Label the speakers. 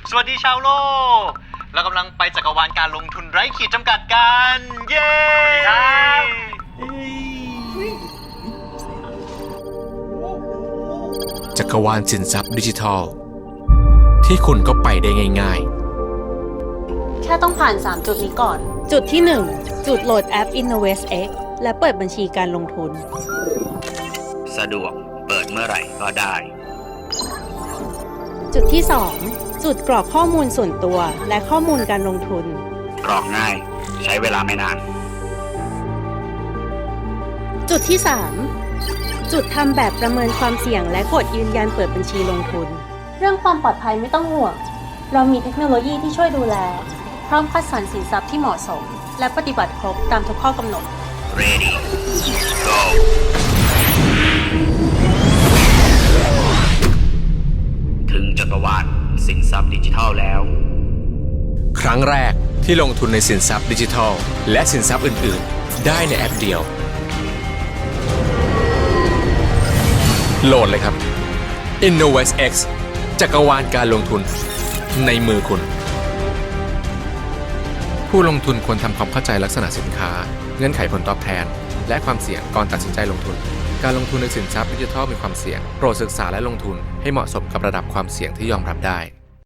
Speaker 1: สวัสดีชาวโลกเรากำลังไปจักรวาลการลงทุนไร้ขีดจำกัดกันเย้สวัสดีครับ
Speaker 2: จักรวาลสินทรัพย์ดิจิทัลที่คุณก็ไปได้ง่าย
Speaker 3: แค่ต้องผ่าน 3 จุดนี้ก่อน จุดที่ 1 จุดโหลดแอป InnovestX และเปิดบัญชีการลงทุน
Speaker 4: สะดวกเปิดเมื่อไหร่ก็ได้
Speaker 3: จุดที่ 2 จุดกรอกข้อมูลส่วนตัวและข้อมูลการลงทุน
Speaker 4: กรอกง่ายใช้เวลาไม่นาน
Speaker 3: จุดที่ 3 จุดทำแบบประเมินความเสี่ยงและกดยืนยันเปิดบัญชีลงทุน เรื่องความปลอดภัยไม่ต้องห่วง เรามีเทคโนโลยีที่ช่วยดูแล พร้อมคัดสรรสินทรัพย์ที่เหมาะสม และปฏิบัติครบตามทุกข้อกำหนด
Speaker 4: Ready Go ถึงจักรวาลสินทรัพย์ดิจิทัลแล้ว
Speaker 2: ๆ ครั้งแรกที่ลงทุนในสินทรัพย์ดิจิทัลและสินทรัพย์อื่นๆ ได้ในแอปเดียว โหลดเลยครับ InnovestX จักรวาลการลงทุนในมือคุณ ผู้ลงทุนควรทำความเข้าใจลักษณะสินค้าเงื่อนไขผลตอบแทนและความเสี่ยงก่อนตัดสินใจลงทุน การลงทุนในสินทรัพย์ดิจิทัลมีความเสี่ยงโปรดศึกษาและลงทุนให้เหมาะสมกับระดับความเสี่ยงที่ยอมรับได้